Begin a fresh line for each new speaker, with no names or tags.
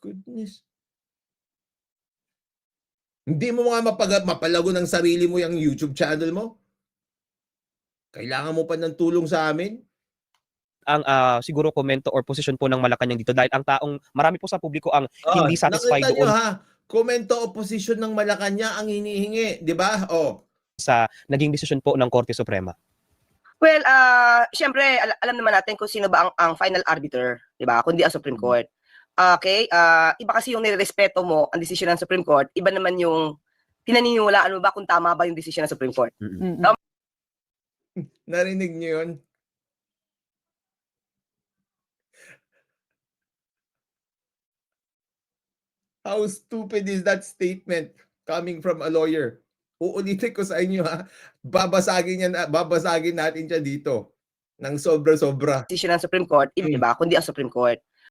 Goodness. Hindi mo nga mapalago ng sarili mo yung YouTube channel mo? Kailangan mo pa ng tulong sa amin?
Ang siguro komento or posisyon po ng Malacanang dito dahil ang taong marami po sa publiko ang hindi satisfied
Nakita nyo
doon
ha, komento o posisyon ng Malacanang ang hinihingi, di ba?
sa naging desisyon po ng Korte Suprema.
Well, syempre alam naman natin kung sino ba ang final arbiter, 'di ba? Kundi ang Supreme Court. Okay? Iba kasi yung nirerespeto mo ang desisyon ng Supreme Court, iba naman yung pinaniniwalaan mo ba kung tama ba yung desisyon ng Supreme Court.
Narinig niyo yun? How stupid is that statement coming from a lawyer? Uulitin ko sa inyo ha, babasagin natin siya dito ng sobra-sobra.
Desisyon ng Supreme Court, iba kundi ang Supreme Court.